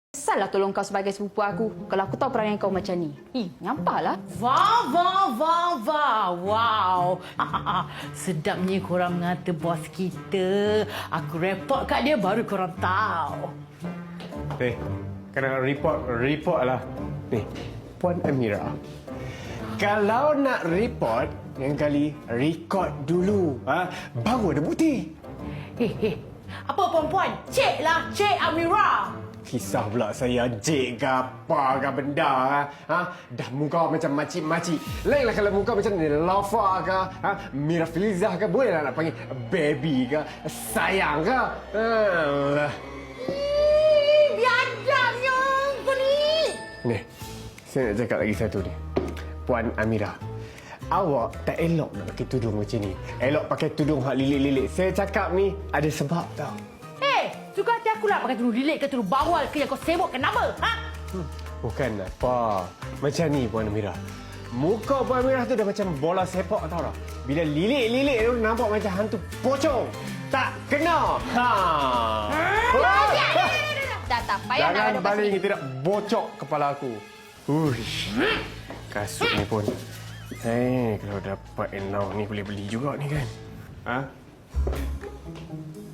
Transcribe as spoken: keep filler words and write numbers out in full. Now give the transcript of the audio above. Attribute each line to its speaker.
Speaker 1: Salah tolong kau sebagai sepupu aku kalau aku tahu perangai kau macam ni. Ih, nyampahlah.
Speaker 2: Wah, wah, wah, wah. Wow. Sedapnya korang mengata bos kita. Aku report kat dia baru korang tahu.
Speaker 3: Eh, kena report, report lah. Ni, Puan Amira. Kalau nak report, yang kali record dulu. Ha? Baru ada bukti.
Speaker 2: Eh, eh. Apa perempuan? Cik lah, Cik Amira.
Speaker 3: Kisah pula saya jek ke apa ke benda ha? ha? Dah muka macam makcik-makcik. Lainlah kalau muka macam ni Lafa ke ha? Mira Filizah ke. Bolehlah nak panggil baby ke, sayang ke. ha.
Speaker 2: Ih, biadabnya kau ni.
Speaker 3: Ni, saya nak cakap lagi satu ni. Puan Amira, awak tak elok nak pakai tudung macam ni. Elok pakai tudung hak lilik-lilik. Saya cakap ni ada sebab tau.
Speaker 2: Eh, suka hati aku lah pakai tudung lilik ke tudung bawal ke yang kau sibuk kenapa? Ha?
Speaker 3: Hmm, bukan apa. Macam ni Puan Amira. Muka Puan Amira tu dah macam bola sepak tau tak? Bila lilik-lilik tu nampak macam hantu pocong. Tak kena. Ha.
Speaker 1: Dah tak payah nak
Speaker 3: Jangan
Speaker 1: ada
Speaker 3: baling
Speaker 1: pasal.
Speaker 3: tidak bocok kepala aku. Uish. Kasut ni pun. Eh, kalau dapat enau ni boleh beli juga ni kan? Ha?